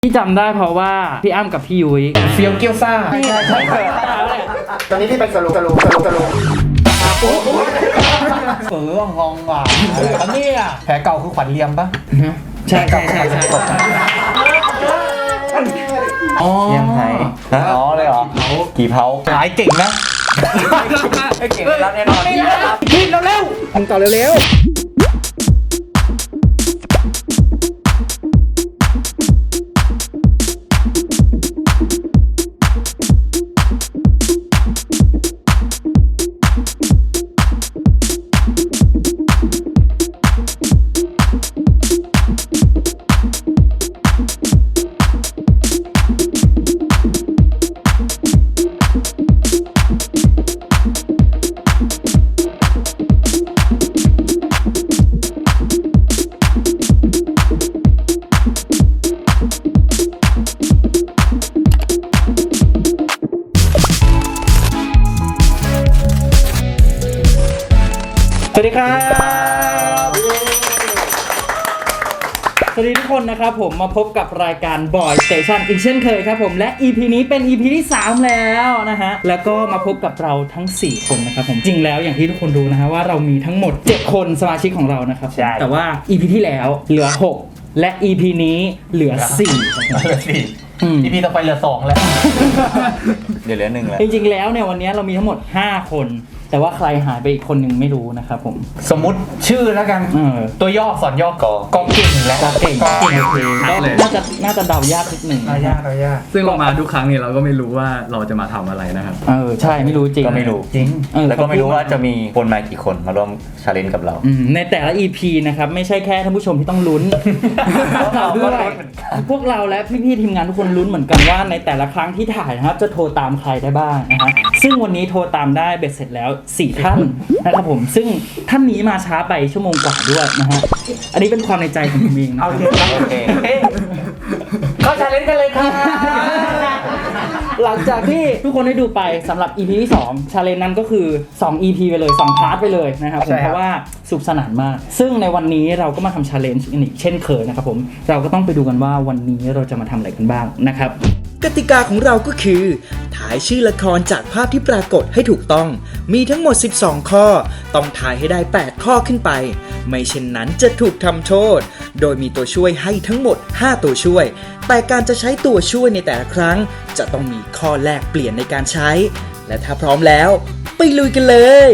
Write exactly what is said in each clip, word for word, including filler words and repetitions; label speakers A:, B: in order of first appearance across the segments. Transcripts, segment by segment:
A: ที่จำได้เพราะว่าพี่อ้ำกับพี่ยุ้ย
B: เฟี้ยวเกี๊ยวซ่าใช่ใช่ใช่ตอนนี้ที่เป็นสรุปสรุปสรุปสรุปเอองงว่ะอันนี้อ่ะแผลเก่าคือขวัญเลียมปะ
A: ใช่ใช่ใช่ใช่
C: เยี่ยมไทยอ๋อเลยเหรอกี่เผา
B: หายเก่งนะ
C: ไม่เก่งแล้วแน่นอน
B: พี่เร็วๆมึงต่อเร็ว
A: สวัสดีครับสวัสดีทุกคนนะครับผมมาพบกับรายการ Boy Station อีกเช่นเคยครับผมและ อี พี นี้เป็น อี พี ที่สามแล้วนะฮะแล้วก็มาพบกับเราทั้งสี่คนนะครับผมจริงแล้วอย่างที่ทุกคนรู้นะฮะว่าเรามีทั้งหมดเจ็ดคนสมาชิกของเรานะครับแต่ว่า อี พี ที่แล้วเหลือหกและ อี พี นี้เหลือสี่
B: เหลือสี่อี พี ต่อไปเหลือสองแล้ว
C: เดี๋ยวเหลือหนึ่งแล้ว
A: จริงๆแล้วเนี่ยวันนี้เรามีทั้งหมดห้าคนแต่ว่าใครหายไปอีกคนหนึ่งไม่รู้นะครับผม
B: สมมุติชื่อแล้วกันตัวย่อสอนย่อกอกอเก่งและ
A: กอเก่ง
B: กอเก่งโอเค
A: น่าจะน่าจะเดายากนิดหนึ่ง
B: เดายากเดายาก
D: ซึ่งเรามาทุกครั้งเนี่ยเราก็ไม่รู้ว่าเราจะมาทำอะไรนะครับ
A: เออใช่ไม่รู้จริง
C: ก็ไม่รู้
B: จริง
C: แล้วก็ไม่รู้ว่าจะมีคนมากี่คนมาร่วมชาเลนจ์กับเรา
A: ในแต่ละ อี พี นะครับไม่ใช่แค่ท่านผู้ชมที่ต้องลุ้นเราด้วยพวกเราและพี่ๆทีมงานทุกคนลุ้นเหมือนกันว่าในแต่ละครั้งที่ถ่ายนะครับจะโทรตามใครได้บ้างนะฮะซึ่งวันนี้โทรตามได้เบ็ดเสร็จแล้วสี่ท่านนะครับผมซึ่งท่านนี้มาช้าไปชั่วโมงกว่าด้วยนะฮะอันนี้เป็นความในใจของผมเองนะ
B: โอเคโอเคเข้าชาเลนจ์กันเลยค่ะ
A: หลังจากที่ทุกคนได้ดูไปสำหรับ อี พี ที่สองชาเลนจ์นั้นก็คือสอง อี พี ไปเลยสองพาร์ทไปเลยนะครับผมเพราะว่าสนุกสนานมากซึ่งในวันนี้เราก็มาทำชาเลนจ์อีกเช่นเคยนะครับผมเราก็ต้องไปดูกันว่าวันนี้เราจะมาทำอะไรกันบ้างนะครับ
E: กติกาของเราก็คือถ่ายชื่อละครจากภาพที่ปรากฏให้ถูกต้องมีทั้งหมดสิบสองข้อต้องถ่ายให้ได้แปดข้อขึ้นไปไม่เช่นนั้นจะถูกทำโทษโดยมีตัวช่วยให้ทั้งหมดห้าตัวช่วยแต่การจะใช้ตัวช่วยในแต่ละครั้งจะต้องมีข้อแลกเปลี่ยนในการใช้และถ้าพร้อมแล้วไปลุยกันเลย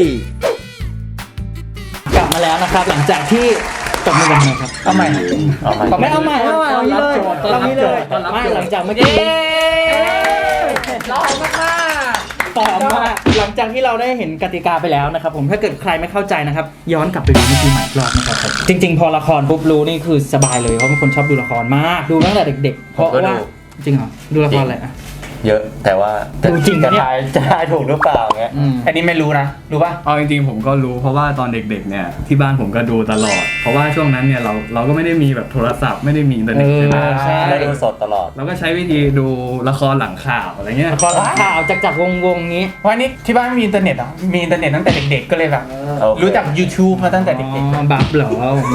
A: กลับมาแล้วนะครับหลังจากที่ตบมือกันนะครับ
B: เอาใหม่
A: ไม่เอาใหม่เอาใหม่เอานี้เลยเอานี้เลยไม่หลังจากเมื่อกี้
B: ร้อนมาก
A: ต่อมาหลังจากที่เราได้เห็นกติกาไปแล้วนะครับผมถ้าเกิดใครไม่เข้าใจนะครับย้อนกลับไปดูในทีใหม่อีกรอบนะครับจริงๆพอละครปุ๊บรู้นี่คือสบายเลยเพราะเป็นคนชอบดูละครมากดูตั้งแต่เด็กๆเพราะว่าจริงเหรอดูละครอะไรอ่ะ
C: เยอะแต่ว่าจะทายจะทายถูกหรือเปล่าเงี้ย
B: อันนี้ไม่รู้นะรู้ป่ะ
D: เอาจริงๆผมก็รู้เพราะว่าตอนเด็กๆเนี่ยที่บ้านผมก็ดูตลอดเพราะว่าช่วงนั้นเนี่ยเราเราก็ไม่ได้มีแบบโทรศัพท์ไม่ได้มีอินเทอร์เน็ต
C: ใช่ไหมเราดูสดตลอด
D: เราก็ใช้วิธีดูละครหลังข่าวอะไรเงี้ย
A: ละครหลังข่าวจากจากวงวงนี้
B: วันนี้ที่บ้านมีอินเทอร์เน็ตเหรอมีอินเทอร์เน็ตตั้งแต่เด็กๆก็เลยแบบรู้จัก YouTube มาตั้งแต่เด็ก
A: ๆบัฟเหรอ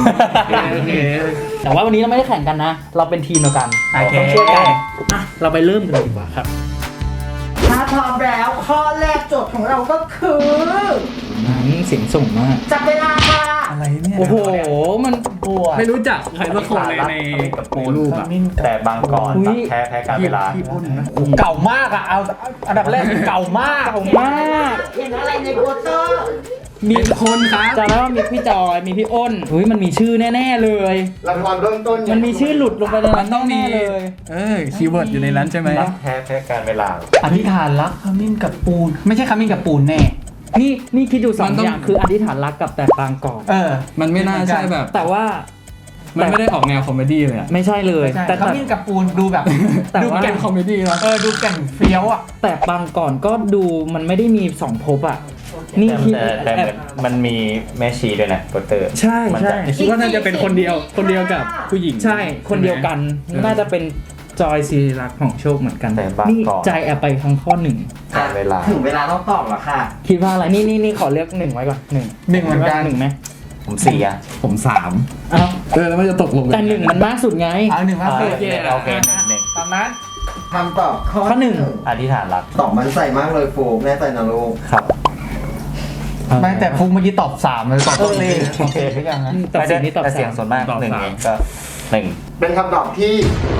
A: แต่ว่าวันนี้เราไม่ได้แข่งกันนะเราเป็นทีมเดียวกันต้องช่วยกันอ่ะเราไปเริ่มกันดีกว่าครับ
F: ถ้าพร้อมแล้วข้อแรกโจทย์ของเราก็คือ
A: เสียงส่งมาก
F: จับเวลาค่ะ
B: อะไรเนี่ย
A: โอ้โหมัน
D: ไม่รู้จักใครสักคนเลยในในรูปอะ
C: แต่บางก่อนแพ้แพ้การเวลา
B: เก่ามากอะเอาอันดับแรกเก่ามาก
A: เก่ามาก
F: เห็นอะไรในโปสเตอร์
A: มีคนครับจำได้ว่ามีพี่จอยมีพี่อ้นเฮ้ยมันมีชื่อแน่ๆเลย
B: ละครเริ่มต้น
A: มันมีชื่อหลุดลงไปในนั้น
D: ต้องมี
A: เลย
D: เออคีย์เวิร์ดอยู่ในนั้นใช่ไหม
C: แพ้แพ้การเวลา
B: อธิษฐานรักขมิ้นกับปูนไม่ใช่ขมิ้นกับปูนแน่
A: นี่นี่คิดดูสองอย่างคืออธิษฐานรักกับแต่ปางก่อน
D: เออมันไม่น่าใช่แบบ
A: แต่ว่า
D: มันไม่ได้ออกแนวคอมเมดี้เลยอ่ะ
A: ไม่ใช่เลย
B: แต่ขมิ้นกับปูนดูแบบ
D: ดูแก่นคอมเมดี้นะ
B: เออดูแก่นเฟี้ยวอ่ะ
A: แต่ปางก่อนก็ดูมันไม่ได้มีสองภพอ่ะ
C: นี่แต่มันมีแม่ชีด้วยนะโปสเตอร์
A: ใช่ใช่
D: คิดว่าน่าจะเป็นคนเดียวคนเดียวกับผู้หญิง
A: ใช่คนเดียวกันน่าจะเป็นจอยศิริลักษณ์ของโชคเหมือนกันนี่ใจแอบไปทางข้อหนึ่ง
C: เวลา
F: ถึงเวลาต้องตอบแล้วค่ะ
A: คิดว่าอะไรนี่นี่นี่ขอเลือกหนึ่งไว้ก่อนหนึ่ง
B: หนึ่งเหมือนกัน
A: หนึ่งไหม
C: ผมสี่อ่ะ
D: ผมสาม
A: อ้าว
D: เออแล้วมันจะตกลงกั
A: แต่หนึ่งมันมากสุดไง
B: เอาหนึ่งมา
C: โอ
B: สิ
C: เคโอเคหนึ่งหนึ่ง
B: ตามนั้น
F: คำตอบข้อ
A: ข้อหนึ่ง
C: อธิษฐานรัก
F: ตอบมันใส่มากเลยโฟกแน่ใจนะลูก
C: ครับ
B: ไม่แต่ฟุกเมื่อกี้ตอบสามเลยตอบสี่โอเคหรือยังฮะ
A: ตอบสี่นี่ตอบ
C: แต่
A: สา
C: เสียง
A: ม
C: ส่วนมากหนึ่งเองก็หนึ่ง
F: เป็นคำตอบที่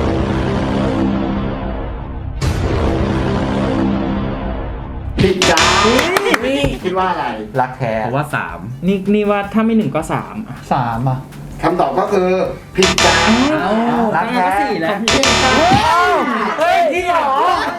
F: ผิดจ้าคิดว่าอะไร
C: รักแท้
D: ผมว่าสาม
A: นี่นี่ว่าถ้าไม่หนึ่งก็สาม
B: สามอ่ะ
F: คำตอบก็คือผิดจ้า
A: รักแท้สี่แล้ว
B: เฮ้ยจริงเหรอ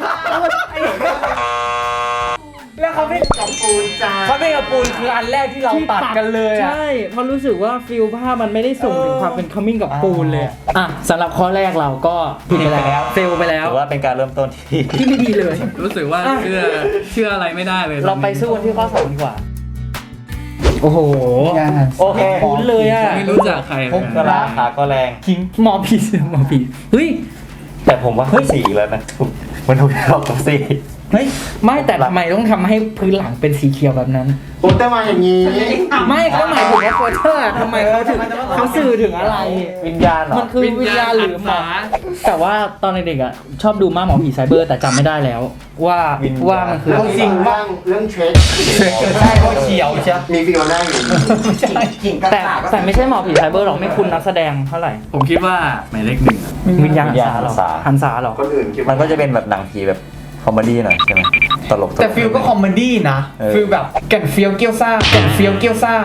B: แล้วเขาไม่
F: กับปูนจ้า
B: เขาไม่กับปูนคืออันแรกที่เราตัดกันเลยอ่ะ
A: ใช่เพราะรู้สึกว่าฟิลภาพมันไม่ได้ส่งถึงความเป็นคัมมิ่งกับปูนเลยอ่ะสำหรับข้อแรกเราก็ผิดไปแล้วเฟลไปแล้ว
C: ถือว่าเป็นการเริ่มต้นที่
A: ที่ไม่ดีเลย
D: รู้สึกว่าเชื่อเชื่ออะไรไม่ได้เลย
A: เราไปสู้กันที่ข้อสองดีกว่า โอ้โห
C: โอเค
A: คุ้นเลยอ่ะ
D: ไม่รู้จักใครเลย
C: ก็
D: นะ
C: ราคาก็แรง
A: คิงหมอผีหมอผีเฮ้ย
C: แต่ผมว่าสี่แล้วนะถูกมันถูกรอบกับสี่
A: เฮ้ยไม่แต่ทำไมต้องทำให้พื้นหลังเป็นสีเขียวแบบนั้น
F: โปสเตอร์มาอย่างนี้
A: ไม่ก็หมายถึงว่าโปสเตอร์ทำไมเขาถึงเขาสื่อถึงอะไร
C: วิญญาณเหรอ
A: มันคือวิญญาณหรือหมาแต่ว่าตอนเด็กๆอ่ะชอบดูมากหมอผีไซเบอร์แต่จำไม่ได้แล้ว ว่าว่ามันคือ
F: เรื่องจริงบ้างเรื่องเทรด
B: ใช่เขาเขียวใช่
F: มีฟิลได้อยู่กิ่งกระ
A: แต่
F: ตาก
A: แต่ไม่ใช่หมอผีไซเบอร์หรอกไม่คุณนักแสดงเท่าไหร่
D: ผมคิดว่าหมายเลขหนึ่งอะ
A: วิญญาณหันษาเหรอหันษาเหรอ
F: คนอื่นคิด
C: มันก็จะเป็นแบบหนังผีแบบคอมเมดี้หน่อยใช่ไหมตลกๆ
B: แต่ฟิลก็คอมเมดี้นะ
C: เออ
B: ฟิลแบบแก่นเฟี้ยวเกี้ยวซ่าแก่นเฟี้ยวเกี้ยวซ่า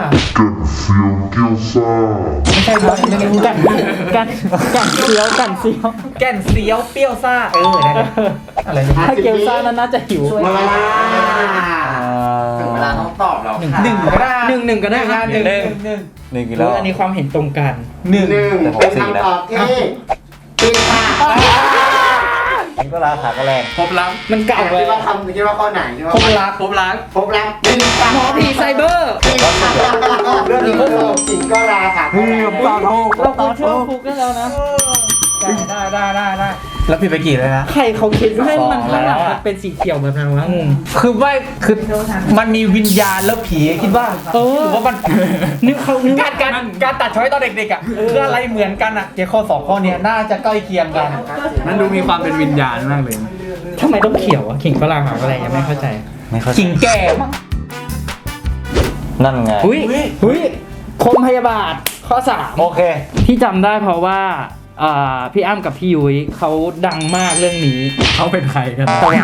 B: ไม่ใช่ครับไม่รู้
A: กันกันกันเสียวกันเสียว
B: แก่นเฟี้ยวเปรี้ยวซ่าเออนั่นแหละอะไรนะ
A: ถ้าเกียวซ่านั้นน่าจะหิว
F: เวลา
C: อ่า
F: ถึงเวลาต้องตอบแล้ว
A: หนึ่ง
B: หนึ่งก็ได้
A: หนึ่งหนึ่งก็ได้ครับ
B: หนึ่งหนึ่งหนึ่ง
C: หนึ่งกิ
A: ห
C: โล
A: รืออันนี้ความเห็นตรงกัน
B: หนึ่ง
F: หนึ่งเป็นคำตอบที่ผิดค่ะ
C: นี่ก็ราคาก็แรง
D: พบรัก
A: มันเก่าเล
F: คิ
A: ย
F: ดว่าคำคิดว่าข้อไหนคิดว่า
B: พบรัก
D: พบรัก
F: พบรักผิดค่ะ
A: หมอผีไซเบอร์
F: ผิดค่ะเรื่องนี้ก็คือจริงก็ราค่ะก็รา
A: เราควรเชื่อฟุกได้แล้วนะ
B: ได้ได้ได้ได้แล้วผิดไปกี่เลยนะ
A: ใครเขาคิดให้มัน
C: สองแล้ว
A: ข้างหลัง
C: อะ
A: มันเป็นสีเขียวแบบนั้นวะงง
B: คือไม่คือมันมีวิญญาณแล้วผีคิดว่า
A: เออ
B: หรือว่ามัน
A: นึกเขานึก
B: การการการตัดช้อยตอนเด็กๆอ่ะคืออะไรเหมือนกันอ่ะเกี่ยวข้อสองข้อเนี้ยน่าจะใกล้เคียงกัน
D: มันดูมีความเป็นวิญญาณมากเลย
A: ทำไมต้องเขียวอะขิงฝรั่งหาอะไรยังไม่เข้าใจ
C: ไม่เข้าใจ
B: ขิงแก่มั้ง
C: นั่นไง
A: อุ้ยอุ้ยคมพยาบาทข้อสาม
C: โอเค
A: ที่จำได้เพราะว่าอ่าพี่อ้ำกับพี่ยุ้ยเขาดังมากเรื่องนี้
D: เขาเป็นใครกัน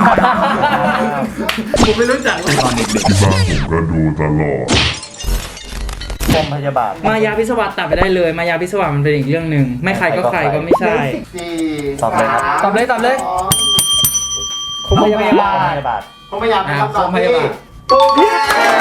D: ผมไม่รู้จักเลยตอนเด็ก
G: ก็ดูตลอด
C: กรมพยาบาล
A: มายาพิศวาสตัดไปได้เลย มายาพิศวาสมันเป็นอีกเรื่องหนึ่งไม่ใครก็ใครก็ไม่ใช่
F: สี่
C: ตอบเลยครับ
B: ตอบเลยตอบเลย
A: คมพยาบา
C: พ
A: ล
C: ยาบาล
F: ผมพยายามเป็นคำตอบ
D: พ
F: ที่
D: ยาบาล
F: ถูกค่ะ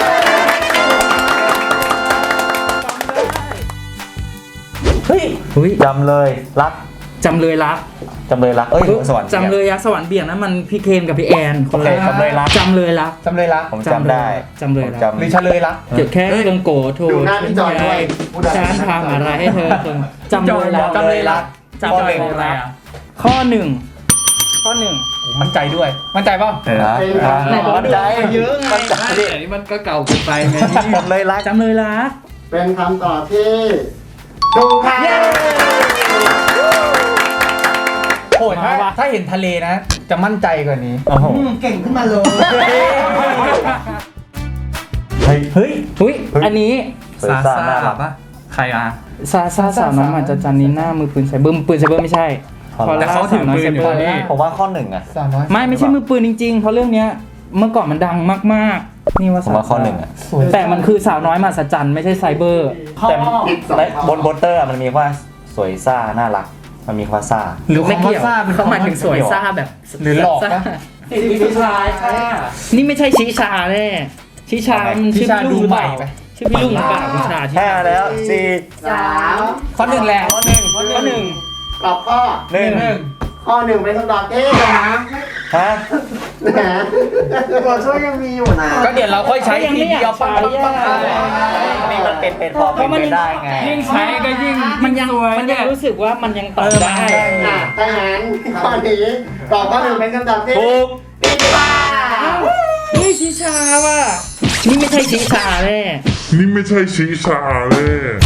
C: เฮ้ย
A: อุ้ย
C: จำเลยรัก
A: จำเลยรัก
C: จำเลยรักเอ้ยสวรรค์
A: จำเลยยักษ์สวรรค์เบี่ยงนั้นมันพี่เคนกับพี่แอนคนละ
C: โอเคจำเลยรัก
A: จำเลยรัก
B: จำเลยรัก
C: ผมจำได้
A: จำเลย
C: ผม
A: รัก
C: จำ
B: หรือเฉลยรัก
A: เดี๋ยวแค่เครื่องโกรธโทร
F: ดูหน้าพี่จอยด้วยพูดอะไร
A: ฉันทำอะไรให้เธอเธอจำเลยรัก
B: จำเลยรัก
A: จำเลยรักข้อหนึ่งข้อหนึ่ง
B: มั่นใจด้วย มั่นใจเปล่า
D: เออ
C: นะ
A: ไหนบอกว่า
C: มั่นใจ
A: เยอะไง
C: มั่นใจ
D: ไม่แต่นี่มันก็เก่าเกินไปไง
C: จำเลยรัก
A: จำเลยรัก
F: เป็นคำตอบที่ถูกค่ะ
B: โอ้ยถ้าถ้าเห็นทะเลนะ จะมั่นใจกว่านี้
C: โอ้โห
F: เก่งขึ้นมาเลย
C: เฮ้ยเฮ้ย
A: อุ้ยอันนี้
C: สวยซ่าน่ารัก
D: ปะใครอ่ะ
A: ซาซาสาวน้อยมหัศจรรย์นี้หน้ามือปืนไซเบอร์มือปืนไซเบอร์ไม่ใช่
D: แต่เขาถือปืนอยู่
A: พอล่า
D: นี่
C: ผมว่าข้อหนึ่งอะ
B: สาวน้อย
A: ไม่ไม่ใช่มือปืนจริงๆ เพราะเรื่องเนี้ยเมื่อก่อนมันดังมากๆ นี่ว่า
C: ผมว่าข้อหนึ่งอะ
B: สวย
A: แต่มันคือสาวน้อยมหัศจรรย์ไม่ใช่ไซเบอร์
C: แต่
F: ผิดสอง
C: ใน
F: ข้อบ
C: นโปสเตอร์อะมันมีว่าสวยซ่าน่ารัก มันมีคำว่าซ่า
B: หรือ
A: ไม่
B: คำว่า
A: เกี่ยว
B: ซ่าเป็น
A: เขาหมายถึงสวยซ่าแบบ
B: หรือหลอก
A: ซ่า
B: นะ
A: ชิชานี่ไม่ใช่ชิชาแน่ชิชามันชื่อพี่ลุงหรือเปล่าชื่อพี่ลุงหรือเปล่าชิชา
C: ห้าแล้วสี่
F: สาม
B: ข้อหนึ่งแหละ
C: ข้อหนึ่ง
A: ข้อหนึ่ง
F: ตอบข้อ
C: หนึ่ง
B: หนึ่ง
F: ข้อหนึ่งเป็นคำตอบที่นะ
C: ฮะ
F: นะตัวช่วยยังมีอยู่นะ
B: ก็เดี๋ยวเราค่อยใช้ทีเดียวปังปังปังปัง
C: นี่มันเป็นเป็นพอเป็นไปได้ไง
A: ยิ่งใช้ก็ยิ่งมันยังมันยังรู้สึกว่ามันยังตอบได้
F: อ่ะถ้างั้นข้อนี้ตอบข้อหนึ่งเป็นคำตอบที่
C: ถูก
F: ผิดค่ะ
A: เฮ้ยชิชาว่ะนี่ไม่ใช่ชิชาแน่
G: นี่ไม่ใช่ชีชาเลย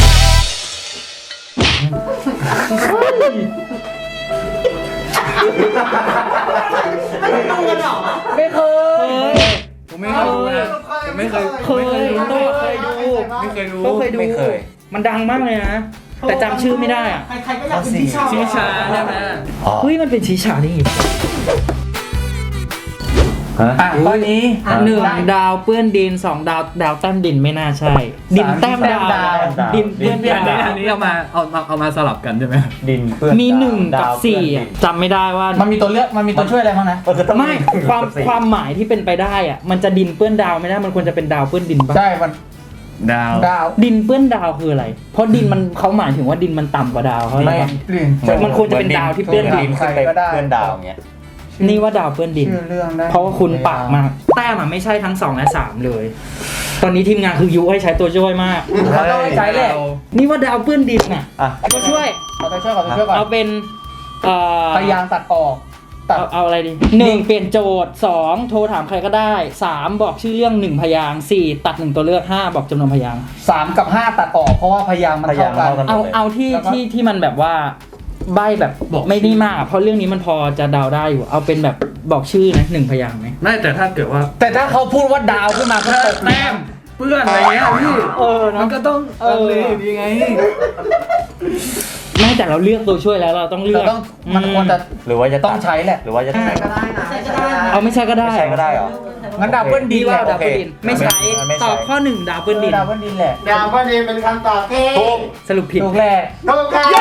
F: ไม่ดูกันหรอ
A: ไม่เคย
D: ผมไม่เคยดูนะผมไม่เคย
A: เคยโต้เคยดู
D: ไม่เคยดู
A: โต้เคยดู
C: ไม่เคย
A: มันดังมากเลยนะ แต่จำชื่อไม่ได้อ่ะ
F: ใครๆก็อยากเป็นที่ชอบ
D: ชิชาใช่ไหม
C: อ๋อ
A: เฮ้ยมันเป็นชิชาได้ไง
C: ฮะ
B: อ่ะตอนนี้
A: หนึ่งดาวเปื้อนดินสองดาวดาวแต้มดินไม่น่าใช่ ดินแต้มดาว
B: แต้มดาว
A: ดินเปื้อน
D: อันนี้
A: ดาว
D: อันนี้เอามาเอาเอาเอามาสลับกันใช่ไหม
C: ดินเปื้อน
A: มีหนึ่งกับ
C: ดาว
A: สี่
C: เปื้อนดิ
A: อะ
C: น
A: จำไม่ได้ว่า
B: มันมีตัวเลือกมันมีตัวช่วยอะไรบ้างนะ
C: ก็คือต้อง
A: ไม่
C: หนึ่ง
A: ความ
C: กับสี่
A: ความหมายที่เป็นไปได้อ่ะมันจะดินเปื้อนดาวไม่ได้มันควรจะเป็นดาวเปื้อนดินปะ
B: ใช่มัน
D: ดาว
B: ดาว
A: ดินเปื้อนดาวคืออะไร เพราะดินมันเขาหมายถึงว่าดินมันต่ำกว่าดาวเขา
B: ไม่
A: เลยปะ
B: เปลี่ยน
A: เหมือนมันควรจะเป็นดาวที่เปื้อนดิน
C: ดินขึ้นไป
B: ก็ได้
C: เปื้อนดาวอย่างเงี้ย
A: นี่ว่าดาวเปื้อนดิน
B: ชื่อเรื่องได้
A: เพราะว่าคุณปากมากแต้มอะไม่ใช่ทั้งสองและสามเลย ตอนนี้ทีมงานคือยุให้ใช้ตัวช่วยมาก
B: เขาต้องใช้แหละ
A: นี่ว่าดาวเปื้อนดินน่ะ
C: อ่ะ
A: ตัวช่วย
B: เอาตัวช่วยก่อนตัวช่วยก่อน
A: เอาเป็นเอ่อ
B: พยายามตัดออกตัด
A: เอาเอาอะไรดีหนึ่งเปลี่ยนโจทย์สองโทรถามใครก็ได้สามบอกชื่อเรื่องหนึ่งพยางค์สี่ตัดหนึ่งตัวเลือกห้าบอกจำนวนพยางค์
B: สามกับห้าตัดออกเพราะว่าพยายามมัน
C: พยายา
B: เท่าม กัน
C: เท่ากัน
A: เอาเอาที่
B: แล้วก็
A: ที่ที่มันแบบว่าใบแบบบอกไม่ได้มาก เพราะเรื่องนี้มันพอจะเดาได้อยู่ เอาเป็นแบบบอกชื่อนะหนึ่งพยางค์ไหม
D: ไม่แต่ถ้าเกิดว่า
B: แต่ถ้าเขาพูดว่าดาวขึ้นมาก็ตก
D: แต้มเปื้อนอะไรเงี้ยพี่
A: เออ
D: มัน
A: เนาะ
D: ก็ต้อง
A: เออ
D: เลยอยู่ดีไง
A: ไม่แต่เราเลือกตัวช่วยแล้วเราต้องเลื
B: เรา
A: อก
B: ต้องมันควรจะ
C: หรือว่าจะ
B: ต้องใช้แหละ
C: หรือว่าจะ
F: ใช่ก็ได้นะใช่ก็ได้นะ
A: เอาไม่ใช่ก็ได้
C: ไม่ใช่ก็ได้เหรอ
B: งั้นดาวเบิลดี
A: ดี
B: แห
A: ว่า
B: ละ
A: ดาวเบิลดินไม่ใช้
C: ไม่ใช้
A: ตอบข้อหนึ่งดาวเบิลดิน
B: ดาวเบิลดีแหละ
F: ดาวก็ดีเป็นคำตอบที่
C: ถูก
A: สรุปผิด
B: ถูกแหละ
F: ถูกค่ะ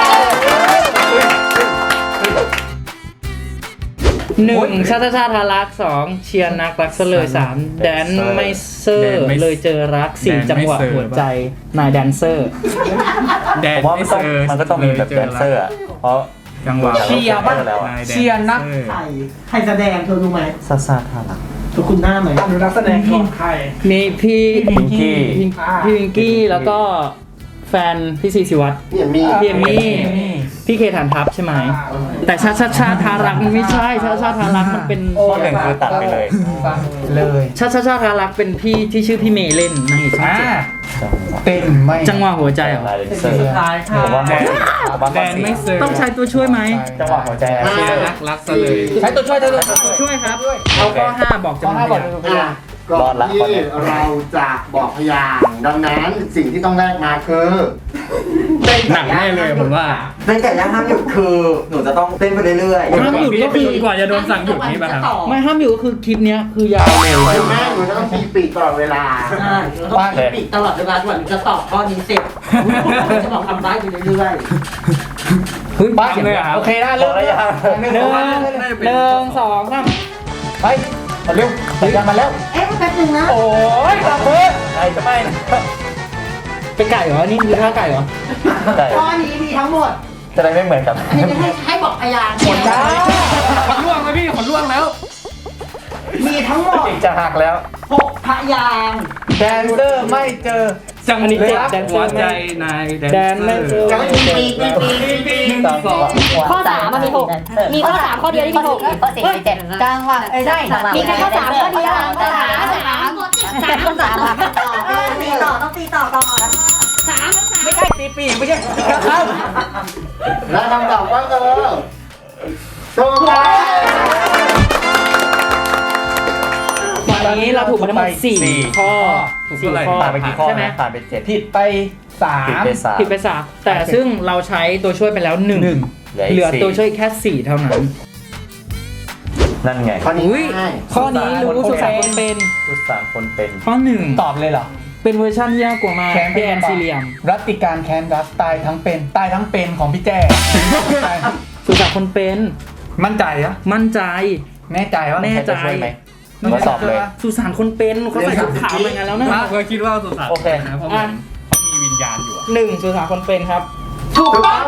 A: หนึ่งชาติชาติทารักสองเชียร์นักรักซะเลยสามแดนไม่เซอ
D: แดน
A: ร์
D: ไม่
A: เลยเจอรักสี่
D: แดนไม่
A: จังหวะ
D: เซอร์
A: หัวใจนายแดนเซอร์
D: แด
C: ผ
D: น
C: มว่า
D: ไม่
C: มันต้อง
D: เซอร์
C: มันก็ต้องมีแบบแดนเซอร์อะเพราะ
D: จังหวะ
C: เชียร์ป่ะแล้วอะ
D: นายแด
B: เชียร์นัก
D: เซอ
F: ใครใครแสดงเธอรู้ไหม
C: ซาซาทารัก
F: ทุกคุณหน้าไหมดูนักแสดงของใคร
A: มีพี่
C: พิงกี้
A: พี่พี่วิงกี้แล้วก็แฟนพี่ซีศิวัตร
F: พี่เอมมี่
A: พี่เอมมี่พี่เคฐานทัพใช่ไหมแต่ชาติชาติชาติทารักมันไม่ใช่ชาติชาติทารักมันเป็น
C: ข้อหนึ่งคือตัดไปเลย
B: เลย
A: ชาติชาติชาติทารักเป็นพี่ที่ชื่อพี่เมย์เล่นนางเอกช่อง
B: อ่า
A: เจ็ด
B: เต้นไม่
A: จังหวะหัวใจเหรอ
C: ลายเลนเซอร์
F: สุดท้ายค่ะ
C: ผมว่าข้อผมว่า
D: แด
C: ข้อน สี่
D: ไม่เซอร์
A: ต้องใช้ตัวช่วยไหม
C: จังหวะหัวใจอะ
D: เชียร์นักรักซะเลย
B: ใช้ตัวช่วยใช้ตัวช่วย
A: ช่วยครับ เอาข้อห้าบอก
B: ข้อ
A: จำนว
B: ห้าน บอก
A: พยางค์
B: เป็นพยาน
F: ก่อนที่เราจะบอกพยางค์ดังนั้นสิ่งที่ต้องแลกมาคือเต้น
D: หนักแน่เลยผมว่า
H: เต้นไก่ย่างห้ามหยุดคือหนูจะต้องเต้นไปเรื่อย
A: ห้ามหยุดก็คือ
D: จนกว่าจะโดนสั่งหยุดนี่ป่ะครับ
A: ไม่ห้ามหยุดก็คือคลิปเนี้ยคือยาวเลย
F: คือแม่หนูจะต้องมีปีกตลอดเวลา
I: ใช่เราต้องมีปีกตลอดเวลาจนกว่าหนูจะตอบข้อนี้เสร็จจะบอกทำได้อยู่เรื่อย
A: เฮ้ย
B: บ้าเลยอ่ะโอเคได้เริ่มเลย
A: หนึ่งหนึ่งสองสาม
B: ไปมาเร็วพยายามมาแล้ว
I: ๆเอ๊ะแป๊บนึงนะ
B: โอ้ยตาเพิ่ม
C: ใครจะไม่นะ
A: เป็นไก่เหรอ นี่คือท่าไก่เหรอ
C: ได้
I: ข้อนี้มีทั้งหมด
C: จะได้ไม่เหมือนกัน
I: ให้ให้ให้บอกพยางค์
B: หมดจ้า
D: ขนล่วงแล้วพี่ขนล่วงแล้ว
I: มีทั้งหมด
C: อีกจะหักแล้ว
I: หกพยางค์
B: แดนเซอร์ไม่เจอ
D: จัง
A: อันนี้เจ็บแดนเซอร์
D: หัวใจนาย
A: แดนไม่เจอ
F: จะไม่มีปีกมีปีก
B: หนึ่งสอง
J: ข้อสามมันมีหกมีข้อสามข้อเดียวที่มีหก
H: ข้อสี่มีเจ็ดกลางว่าเอ้ยใช่
J: มีแค่ข้อสามข้อเดียว
H: กลาง
J: สามสามสามข้อสามอะ
H: ตีต่อต้องตีต่อก่อน
J: สาม
B: ไม่ใช่ตีปีกไม่ใช่ครับ
F: และคำตอบก็คือถูกต้อง
A: ตอนนี้เราถูกมาทั้งหมดสี่
C: สี่
A: ข้อ
D: ถูก
A: สี่
D: เท่าไหร่
A: ข้อ
C: ผ่านไปกี่ข้อ
A: ใช่ไหม
C: นะผ่านไปเจ็ด
B: ผิดไปสา
C: ผิด
B: ม
C: ไปสาม
A: ผิดไปสามแต่ซึ่งเราใช้ตัวช่วยไปแล้วหนึ่ง
B: หนึ่ง
A: เหลือตัวช่วยแค่สี่เท่านั้น
C: นั่นไง
F: ข้อนี้
A: อุ้ย
F: ง่าย
A: ข้อนี้รู้สุสานคนเป็น
C: ทุกสามคนเป็น
A: ข้อหนึ่ง
B: ตอบเลยเหรอ
A: เป็นเวอร์ชันที่ยากกว่ามา
B: แคน
A: พี่แอนซีเรียม
B: รัตติการแคนดัสตายทั้งเป็นตายทั้งเป็นของพี่แจ้
A: สุสานคนเป็น
B: มั่นใจอะ
A: มั่นใจ
B: แน่ใจว่า
A: แน่ใจ
C: ช่วยไหมทดสอบเลย
A: สุสานคนเป็นเขาใส่ชุดขาวเหมือนกันแล้วนะ
D: มากก็คิดว่าสุสาน
C: โอเค
D: นะเพราะมันเขามีวิญญาณอยู่อะ
A: หนึ่งสุสานคนเป็นครับ
F: ถูกต้อง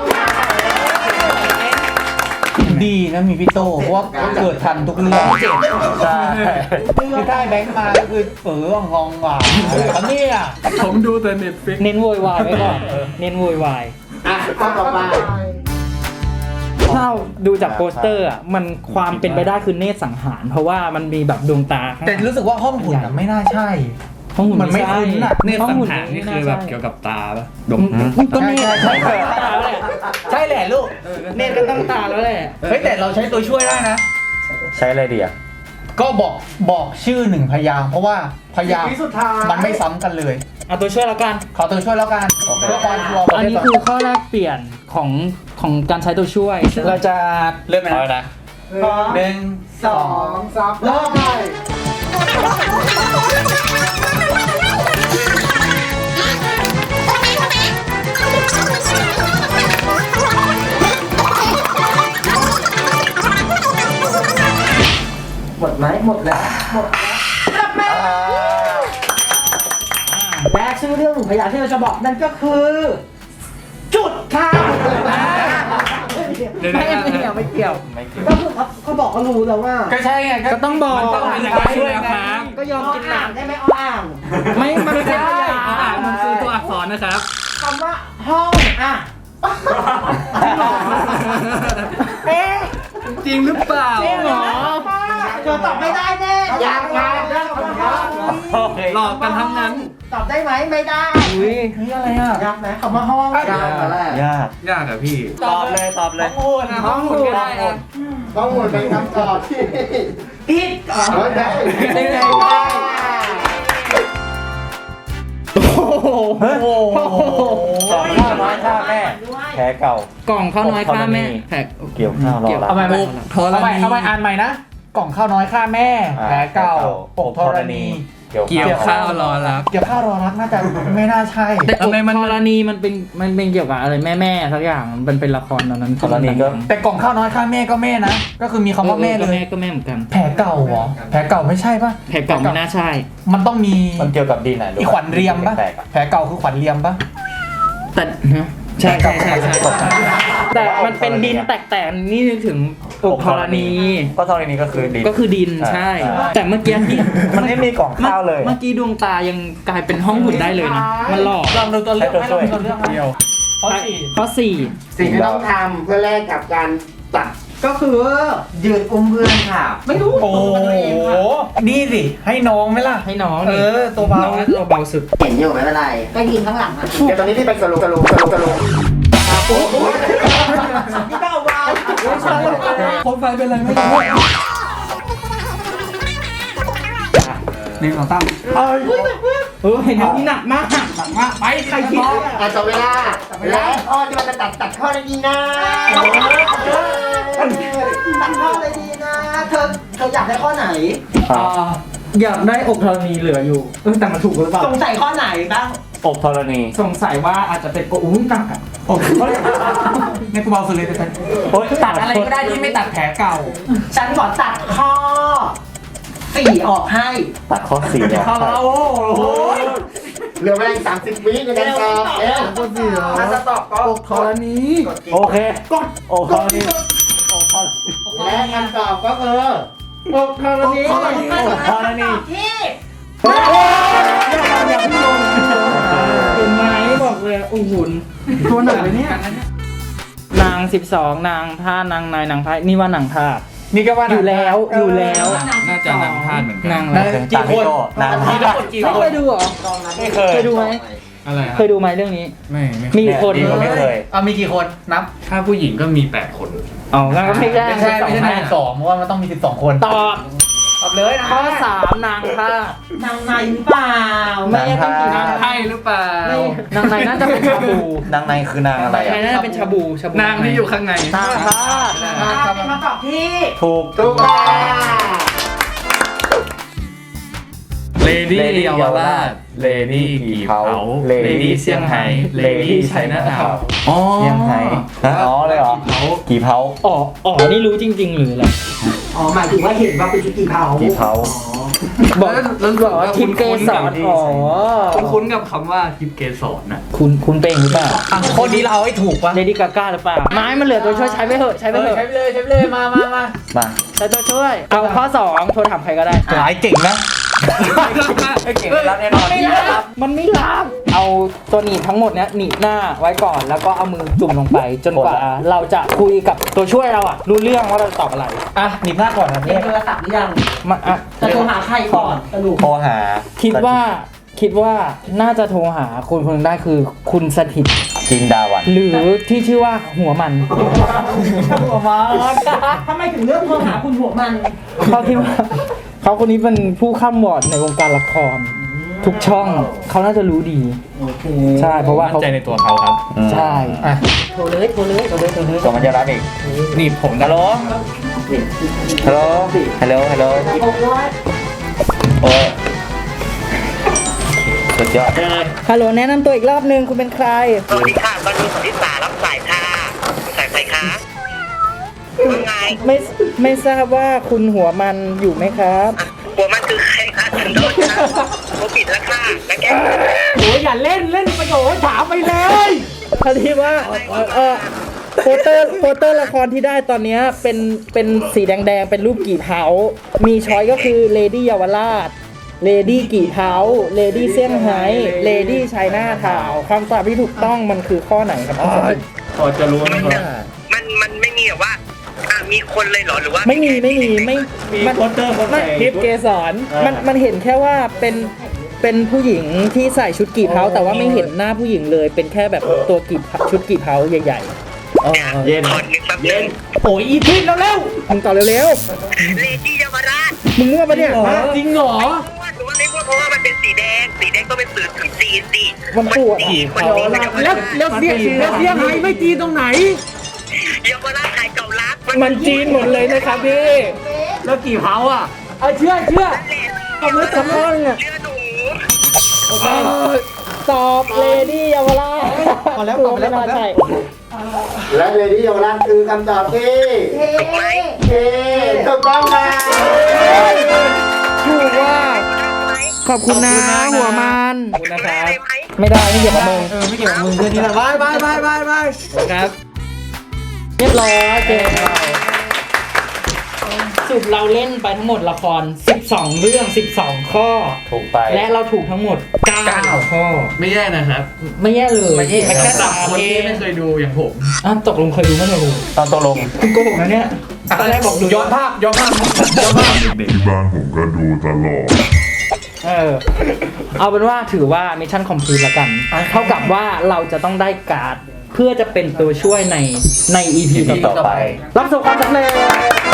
B: ดีนะมีพี่โตเพราะว่าเกิดทันทุกเรื่อง
C: ใช่
B: คือถ้าแบงค์มาก็คือเออฮองหว่าอันนี้อ่ะ
D: ผมดูแต่เน็ตฟิก
A: เน้นโวยวายไว้ก่อนเน้นโวยวาย
F: อ่ะข้อต่อไป
A: ถ้าดูจากโปสเตอร์อ่ะมันความเป็นไปได้คือเนตรสังหาร เพราะว่ามันมีแบบดวงตาข้างห
B: แต่
A: ลัง
B: รู้สึกว่าห้องหุ่นอะไม่น่าใช่
A: ห้องหุ่น
B: มันไม่
A: ใช่
B: คุ้นอะ
D: เนตร
A: ห้อง
D: สัง
A: หุ่น
D: หารนี่คือแบบเกี่ยวกับตาปะดม
A: ก็เนตร
B: ใช่
A: ใช่
B: ใช่
A: ตาแล้วแหละ
B: ใช่แหละลูก
A: เนตรก็ต้องตาแล้วแหละ
B: เฮ้ยแต่เราใช้ตัวช่วยได้นะ
C: ใช้อะไรดีอ่ะ
B: ก็บอกบอกชื่อหนึ่งพยางค์เพราะว่าพยางค์
F: วิสุดท้าย
B: มันไม่ซ้ำกันเลย
A: เอาตัวช่วยแล้วกัน
B: ขอตัวช่วยแล้วกันเพื่อความชัวร์
A: อันนี้คือข้อแรกเปลี่ยนของของการใช้ตัวช่วย เราจะ
B: เริ่มไหม
C: เอาเลยนะ
B: หนึ่งสอง
F: สามเริ่มเลย
I: หมดไหมหมดแล้วหมดแล้วและชื่อเรื่องหนึ่งพยางค์ที่เราจะบอกนั่นก็คือ จุดค่ะ
D: เดี๋ยว
A: ไม่
D: นะ
A: ไม่เกี่ยวไม่เกี่ยว
C: ไม่กิน
I: ก็คือเขาเขาบอกเขารู้แล้วว่า
B: ก็ใช่ไง
A: ก็ต้องบอก
B: มันต้องมีตัวช่วยครับ
A: ก็ยอมกินหนัก
I: ได้ไหมอ้ออ่าง
A: ไม่มันไม่ใช่
D: อ่านมันคือตัวอักษรนะครับ
I: คำว่าห้องอ่ะเอ๊ะ
D: จริงหรือเปล่า
A: จริงเหรอ
I: เธอตอบไม่ได้แน่ยากมากเรื่องคำว่าห้อง
C: โอเค
D: หลอกกันทั้งนั้น
I: ตอบได้ไหมไม่ได้
A: อุ้ย
B: นี่อะไรอ่ะ
I: ยากไหมคำว่าห้อง
F: ยากมาแรก
C: ยาก
D: ยากอะพี่
C: ตอบเลยตอบเลย
B: ห้องหุ่นห้องหุ่นก็ได้นะ
F: ต้องหมดเป็นคำตอบที่
I: ผิดอ๋อ
F: เฮ้ยได้
A: ได้ไง
B: โอ้โห
C: สองข้าวน้อยข้าแม่ แพ้เก่า
A: กล่องข้าวน้อยค่าแม่แผก
C: เกี่ยวข้าวรอรับ
B: เอาใหม่
A: อุกธรณี
B: เอาใหม่เอาใหม่อ่านใหม่นะ กล่องข้าวน้อยฆ่าแม่
C: อ่า
B: แผลเก่า
C: แผลเก่า
B: อกธรณี
C: เกี่ยว
D: เกี่ยวข้าวรอรับ
B: เกี่ยวข้าวรอรักน่าจะไม่น่าใช่
A: แต่
D: ทำไมมัน
A: กรณีมันเป็นมันเป็นเกี่ยวกับอะไรแม่แม่ๆสักอย่างมันเป็นละครตอนนั้น
C: กรณีก็
B: แต่กล่องข้าวน้อยฆ่าแม่ก็แม่นะ ก็คือมีคำว่าแม่เล
A: ก็
B: ย
A: แม่ก็แม่เหมือนกัน
B: แผลเก่าเหรอแผลเก่าไม่ใช่ป่ะ
A: แผกเก่าไม่น่าใช่
B: มันต้องมี
C: มันเกี่ยวกับดินอ่ะ
B: อีขวัญเรียมป่ะ
C: แตกๆอะ
B: แผลเก่าคือขวัญเรียมป่ะ
A: แต่นะใช่ใช่ใช่ใช่แต่มันเป็นดินแตกๆนี่นึกถึงอกธรณี
C: ก็ธรณีก็คือดิน
A: ก็คือดินใช่
C: ใช่
A: แต่เมื่อกี้ที่
C: มันไม่มีกล่องข้าวเลย
A: เมื่อกี้ดวงตายังกลายเป็นห้องหุ่นได้เลยนะมันหลอก
B: ลองดูตัวเลือกไหม
C: ให้
B: ล
C: ตัวช่วย
B: องดูตัวเลือกไหมข้อสี่
A: ข้อสี่
F: สิ่งที่ต้องทำเพื่อแลกกับการตัด
I: ก็คือ
H: ยืนอุ้มเพื่อนค่ะ
I: ไม่รู้
B: โอ้โหนี่สิให้น้องไหมล่ะ
A: ให้น้อง
B: เออตัวเบา
A: น้องตัวเบาสุด
H: เห็นอยู่ไม่เป็นไร
I: ก็ยืนข้างหลังอ่ะ
F: เดี๋ยวตอนนี้ที่เป็นสรุปสรุปสรุปสรุป
I: นี่ก็เอาวาง
B: คนไฟเป็นไรไม่รู้หนึ่งสองสาม
A: เออเห็นอย่างนี้หนักมาก
B: มาไปใครคิด
F: อาจจะเวลาและข้อที่มันจะตัดตัดข้อได้ดีนะ
I: ตัดข้อเลยดีนะ เธอเธออยากได้ข้อไหน
A: อ่าอยากได้อกธรณีเหลืออยู่เออแต่มันถูกหรือเปล่า
I: สงสัยข้อไหนบ้าง
C: อกธรณี
A: สงสัยว่าอาจจะเป็นโอ้ยหนักอ่ะ
B: โอ้โหในกูเบาสุดเลยแต่
C: โอ๊ย
B: ตัดอะไรก็ได้ที่ไม่ตัดแผลเก่า
I: ฉันขอตัดข้อสี่ออกให้
C: ตัดข้อสี่อ่ะ
B: เข้าแล้วโอ้โห
F: เหลือเวลาอีกสามสิบวิในการตอบเอ๊ะ
H: ถ้าจะตอบก็
F: อกธรณี
C: โอเคกดอกธรณี
F: และคำตอบก็คือ
A: อกธรณี
C: อกธรณี
I: ที่
A: เห็นไหมบอกเลยโอ้โหตัวหนักเลยเนี่ยนางสิบสองนางท่านางนายนางพายนี่ว่านางท่า
B: นี่ก็ว่า
A: อยู่แล้วอยู่แล้ว
D: น่าจะนำพลาดเหมือนกัน
A: นาง
B: ได้กี่คน
C: นาง
B: มีทั้งหมดกี่
A: ไม่
B: ค
A: เคน ยดูเหรอ
C: ไม่เคย
A: เคยดูไหม
D: อะไรค
A: เครับ ยดูไหมเรื่องนี้
D: ไม่ไม่
A: มีกี่คน
C: ดีกว่าไม่เคย
B: เอามีกี่คนนับ
D: ถ้าผู้หญิงก็มีแปดคน
A: อ๋องั้นก็ไม่ใช่
B: ไม่ใช่ไม่ใช่สิบสองเพราะว่ามันต้องมีสิบสองคน
A: ตอบ
B: ตอบเลยนะ
A: ข้อสามนางท่าน
I: างในหรือเปล่า
A: ไม่ใช่ต้องกี่
D: นาน
A: าง ง
D: ไพ่หรือเปล่า
A: ไม่นางในน่าจะเป็นชาบู
C: นางในคือนางอะไร
A: นางใน
C: อ่ะ
A: น่าจะเป็นชาบูชาบู
D: นางที่อยู่ข้างใน
A: นางท่า
I: เป็นคำตอบที่
C: ถูก
F: ถูกต้อง
D: เลดี้เยาวราชเลดี้กี่เผาเลดี้เซี่ยงไฮ้เลดี้ไชน่าทาวน์อ๋อ
C: เซี่ยงไฮ้ฮะอ๋อเลยเหรอ
D: กี่เผา
C: กี่เผา
A: อ๋ออ๋อนี่รู้จริง ๆ หรืออะไร
I: อ๋อหมายถึงว่าเห็นว่าเป็นชุดกี่เผา
C: กี่เผา
A: บอกแล้วบอกว่าทิมเกสรอ๋อ
D: คุ้นๆกับคำว่าทิปเกสรนะ
A: คุณคุณเป็นหรือเปล่า
B: อ่ะคนนี้เราเอาให้ถูกปะ
A: เลดี้กาก้าหรือเปล่าไม้มันเหลือตัวช่วยใช้ไปเถอะใช้ไป
B: เอ
A: เถ
B: อ
A: อะ
B: ใช้ไปเลยใช้ไปเลยมามามา
C: มา
A: ใช้ตัวช่วยเอาข้อสองโทรถามใครก็ได้
B: หลายเก่งนะ
C: ไอ้เก่งไม่รับแน่นอน
A: ไม่รับมันไม่รับเอาตัวหนีบทั้งหมดเนี้ยหนีบหน้าไว้ก่อนแล้วก็เอามือจุ่มลงไป จนกว่าเราจะคุยกับตัวช่วยเราอะรู้เรื่องว่าเราจะตอบอะไร
B: อ่ะหนีบหน้าก่อนนะ
I: มี
B: เนี่ย
I: โทรศัพท์หรือยัง
A: มาอะ
I: จะโทรหาใครก่อนสรุป
C: โทรหา
A: คิดว่าคิดว่าน่าจะโทรหาคนคนหนึงได้คือคุณสถิต
C: จินดาวัน
A: หรือที่ชื่อว่าหัวมัน
I: หัวมันทำไมถึงเลือกโทรหาคุณหัวมัน
A: เขาคิดว่าเขาคนนี้เป็นผู้ข้ามวอร์ดในวงการละคร ทุกช่องเขาน่าจะรู้ดีใช่เพราะว่า
D: มั่น
A: เขา
D: ใจในตัวเขาครับ
A: ใช่
B: อ่ะ
I: โทรเลยโทรเลยโทรเลยโทรเลย
C: ก็มันจะรับอีก
B: นี่ผม
C: ฮั
B: นะ
C: ลโหลฮัลโหลฮัลโหลฮัลโหลโอ้ยสุดยอด
A: ฮัลโหลแนะนำตัวอีกรอบนึงคุณเป็นใคร
K: สวัสดีค่ะบรรลุสันติสารับสายค่ะสายใครคะว่าไง
A: ไม่ไม่ทราบว่าคุณหัวมันอยู่ไหมครับ
K: หัวมันคือใครคะฉันโดนค่ะเขาปิดแล้วค่ะแล้วแก
I: โอ้ยอย่าเล่นเล่นประโยชน์ถามไปเลย
A: พอดีว่าเออเออโปสเตอร์โปสเตอร์ละครที่ได้ตอนเนี้ยเป็นเป็นสีแดงๆ เป็นรูปกี่เผา มีช้อยก็คือเลดี้เยาวราชเลดี้กี่เผาเลดี้เซี่ยงไฮ้เลดี้ไชน่าทาวน์คำตอบที่ถูกต้องมันคือข้อไหนครับน้องสมิธ
D: พอจะรู้ไหมครับ
K: มันมันไม่มีแบบว่าอ่ะมีคนเลยเหรอหรือว่า
A: ไม่มีไม่มีไม่มัน
D: โปสเตอร์คน
A: ไม่
D: ใส่
A: คลิปเกสรมันมันเห็นแค่ว่าเป็นเป็นผู้หญิงที่ใส่ชุดกี่เผาแต่ว่าไม่เห็นหน้าผู้หญิงเลย เป็นแค่แบบตัวกี่เผาชุดกี่เผาใหญ่ๆเออ
D: เย็น
K: คนนึงแป๊บนึง
I: โอ้ยอีพิษแล้วเร็ว
A: มึงตอบเร็ว
K: เลดี้เยาวราช
A: ๆมึงมั่วปะเนี่ย
I: จริงเหรอ
K: หรือว่าไม่ว่าเพราะว่ามันเป็นสีแดงสีแดงก็เป็นสื่อถึงจีนสิ
A: มันปวด
K: จีนคนจีนเยาว
I: แล้ว
K: ราช
I: แล้วเสียแล้วเสียไฮไม่จีนตรงไหน
K: เยาวราชขายเก่ารัก
A: มันจีนหมดเลยนะครับพี่
I: แล้วกี่เผาอ่ะเอาเชื่อเชื่อ
A: ตอบเลยสักข้อนึงอ่ะ
K: เชื่อหนู
A: เออตอบเลดี้เยาวราช
B: พอแล้วตอบไปแล้วตอบแล้ว
A: ใช่
F: และเลดี้เยาวราชคือคำตอบที่
K: ถูกไหม
F: เอถูกต้องค่ะ
A: ถูกว่าขอบคุณนะหัวมัน
D: ขอบคุณนะครับ
K: ได้ไหม
A: ไม่ได้ไม่เกี่ยวกับมึง
B: เออไม่เกี่ยวกับมึงเพื่อนนี่แหละบายบายบายบายบาย
D: ครับ
A: เรียบร้อยเกมสุดเราเล่นไปทั้งหมดละครสิบสองเรื่องสิบสองข้อ
C: ถูกไป
A: และเราถูกทั้งหมดเก้าข้อ
D: ไม่แย่นะครับ
A: ไม่แย่เลย
B: ไม่แย่
A: แค่
D: สำหรั
A: สา
D: บ
A: ม
D: คน
A: เอ
D: ที่
A: ง
D: ไม่เคยดูอย่างผม
A: อ่ะตกลงเคยดูไหมเนี่ยลูก
C: ตอนตกลง
A: คุณโกหกนะเนี่ยตอนแรกบอกดู
B: ย้อนภาพย้อนภาพย้อนภาพ
G: ที่บ้านผมก็ดูตลอด
A: เออเอาเป็นว่าถือว่ามิชชั่นคอมพลีทแล้วกัน เท่ากับว่าเราจะต้องได้การ์ดเพื่อจะเป็นตัวช่วยในใน อี พี
C: อี
A: ต่
C: ต่
A: อ
C: อ
A: ไป
C: ไป
A: รับประสบความสำเร็จ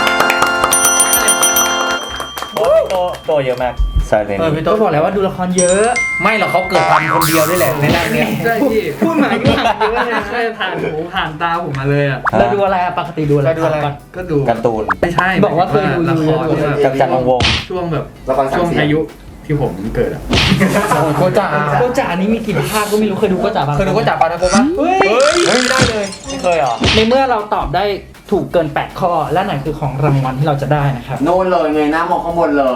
C: โอ้โตโตเยอะมากซาเลน
B: เออพี่
A: ก็
B: โต๊ะ
A: บอกแล้วว่าดูละครเยอะ
B: ไม่หรอกเขาเกิดทำคนเดียวด้วยแหละในร่างเนี้ย
D: ใช่พี่
A: พูดหมายก็ผ่านเยอะเลยนะ
D: ใช่ผ่านหูผ่านตาผมมาเลยอ่ะ
A: เราดูอะไรอะปกติดูอะไร
B: เราดูอะไร
A: ก่อน
D: ก็ดู
C: การ์ตูน
D: ไม่ใช่
A: บอกว่าเคยดู
D: ละคร
A: ดู
D: ที่แบบ
C: กับจันทร์วงศ์
D: ช่วงแบบ
F: ละครสาม
D: ช่วง
F: เสียง
D: อายุที่ผมเกิดอ่ะ
B: โคจ่า
A: โกจ่านี่มีกี่ภาคก็ไม่รู้เคยดูโกจ่าบ้าง
B: เคยดูโคจ่าปานาโกะปะ
A: เฮ้ย
B: เฮ้ยไม่ได้เลย
C: ไม่เคยเหรอ
A: ในเมื่อเราตอบได้ถูกเกินแปดข้อ และไหนคือของรางวัลที่เราจะได้นะครับ
H: โน่นเลยเงยหน้ามองข้างบนเลย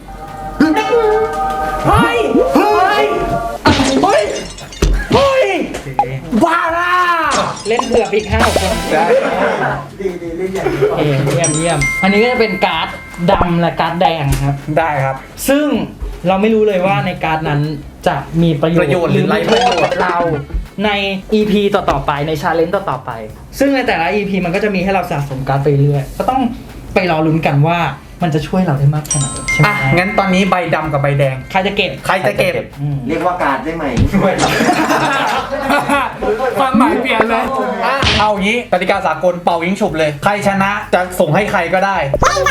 A: เฮ้ย เฮ้ย เฮ้ย เฮ้ยบ้าล่ะเล่นเผื่ออีกห้าคน
F: ดีดีเล่นอย่างนี้
A: เอเยี่ยมเยี่ยม อันนี้ก็จะเป็นการ์ดดำและการ์ดแดงครับ
B: ได้ครับ
A: ซึ่งเราไม่รู้เลยว่าในการ์ดนั้นจะมีประโยชน์
B: ประโยชน์หรือไร้
A: มี
B: ประโยชน์
A: กับเราใน อี พี ต่อๆไปในชาเลนจ์ต่อๆไป ซึ่งในแต่ละ อี พี มันก็จะมีให้เราสะสมการ์ดไปเรื่อยก็ต้องไปรอลุ้นกันว่ามันจะช่วยเราได้มากแค่ไหนใช่ไหม
B: อ่ะงั้นตอนนี้ใบดำกับใบแดง
A: ใครจะเก็บ
B: ใครจะเก็บ
A: อืม
H: เรียกว่าการได้ไหม
B: ความหมายเปลี่ยนเลยอ่ะเอางี้กติกาสากลเป่ายิงฉุบเลย ใครชนะจะส่งให้ใครก็ได้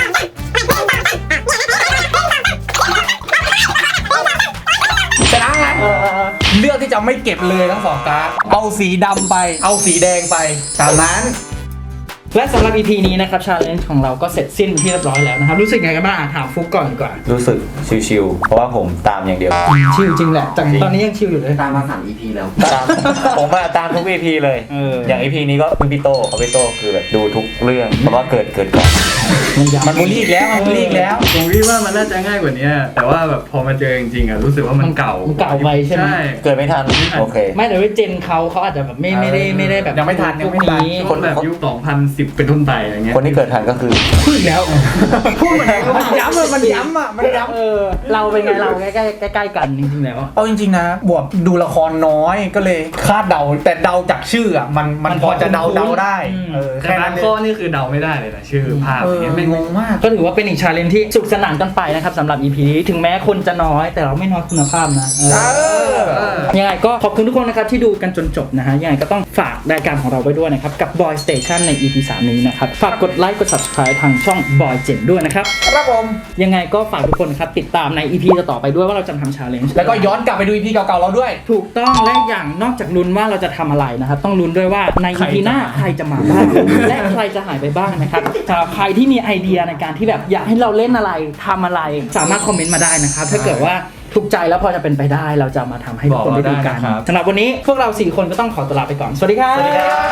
B: ชนะไงเลือกที่จะไม่เก็บเลยทั้งสองการ์ดเอาสีดำไป เอาสีแดงไปตามนั้น
A: และสำหรับ อี พี นี้นะครับชาเลนจ์ของเราก็เสร็จสิ้นเป็นที่เรียบร้อยแล้วนะครับรู้สึกไงกันบ้างอ่ะถามฟุกก่อนดีกว่า
C: รู้สึกชิวๆเพราะว่าผมตามอย่างเดียว
A: ชิลจริงแหละแต่ตอนนี้ยังชิลอยู่เลย
H: ตามมาสาม อี พี แล้ว
C: ตามผมมาตามทุก อี พี เลย
A: เออ
C: อย่าง อี พี นี้ก็คุณพี่โตเขาพี่โตคือแบบดูทุกเรื่องเพราะว่าเกิดเกิดก่อน
B: มันบูลลี่อีกแล้วมันบูลลี่อีกแล้ว
D: ผมคิดว่ามันน่าจะง่ายกว่านี้แต่ว่าแบบพอมาเจอจริงๆอ่ะรู้สึกว่ามันเก่า
A: มันเก่าไปใช่ไหม
D: ใช่
C: เกิดไม่ทันโอเค
A: ไม่แต่ว่าเจนเขาเขาอาจจะแบบไม่ไม่ได้ไม่ได้แบบ
B: ยังไม่ทันยังไม่ทัน
A: พวก
D: คนแบบยุคสองพันสิบสิบเป็นต้นไปอะไรเงี้ย
C: คนที่เกิดทันก็คือ
B: พูดอีกแล้วพูดเหมือนมันย้ำอะมันย้ำอะมันย้ำ
A: เออเราเป็นไงเราใกล้ใกล้ใกล้ๆกันจริงๆแล้ว
B: เอาจริงๆนะบวกดูละครน้อยก็เลยคาดเดาแต่เดาจากชื่ออะมันมันพอจะเดาเดาได้เออ
D: แต่
B: แค่
D: บา
B: นั้
D: ง
B: นเลย
D: ข้อนี่คือเดาไม่ได้เลยนะชื่อภาพ
B: เอ
D: อ
B: อย่าง
D: เงี้ย
B: ไม่
D: ไม่
B: งงมาก
A: ก็ถือว่าเป็นอีกชาเลนจ์ที่สุขสนานกันไปนะครับสำหรับ อี พี นี้ถึงแม้คนจะน้อยแต่เราไม่น้อยคุณภาพนะเออ
B: เออ
A: ยังไงก็ขอบคุณทุกคนนะครับที่ดูกันจนจบนะฮะยังไงก็ต้องฝากรายการของเราไว้ด้วยนะครับกับ Boy Station ใน อี พี สาม นี้นะครับฝากกดไลค์กด Subscribe ทางช่อง Boy เจ็ดด้วยนะครับ
B: ครับผม
A: ยังไงก็ฝากทุกคนนะครับติดตามใน อี พี ต่อไปด้วยว่าเราจะทำชาเลนจ์
B: แล้วก็ย้อนกลับไปดู อี พี เก่าๆเราด้วย
A: ถูกต้องและอย่างนอกจากลุ้นว่าเราจะทำอะไรนะครับต้องลุ้นด้วยว่าใน อี พี หน้าใครจะมาบ้างและใครจะหายไปบ้างนะครับสำหรับใครที่มีไอเดียในการที่แบบอยากให้เราเล่นอะไรทำอะไรสามารถคอมเมนต์มาได้นะครับถ้าเกิดว่าถูกใจแล้วพอจะเป็นไปได้เราจะมาทำให้ทุกคนได้ดูกันสำหรับวันนี้พวกเราสี่คนก็ต้องขอตัวลาไปก่อนสวัสดีครับ
B: สวัสดีครับ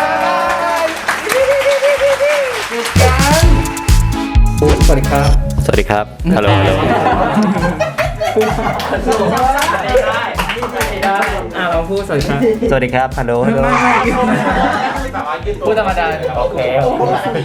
A: สวัสดีครับ
C: สวัสดีครับ ฮัลโหลฮัลโหล
A: อ่าเราพูดสวัสดีครับ
C: สวัสดีครับ ฮัลโหลฮัลโหล
A: พูดธรรมดา
C: โอเค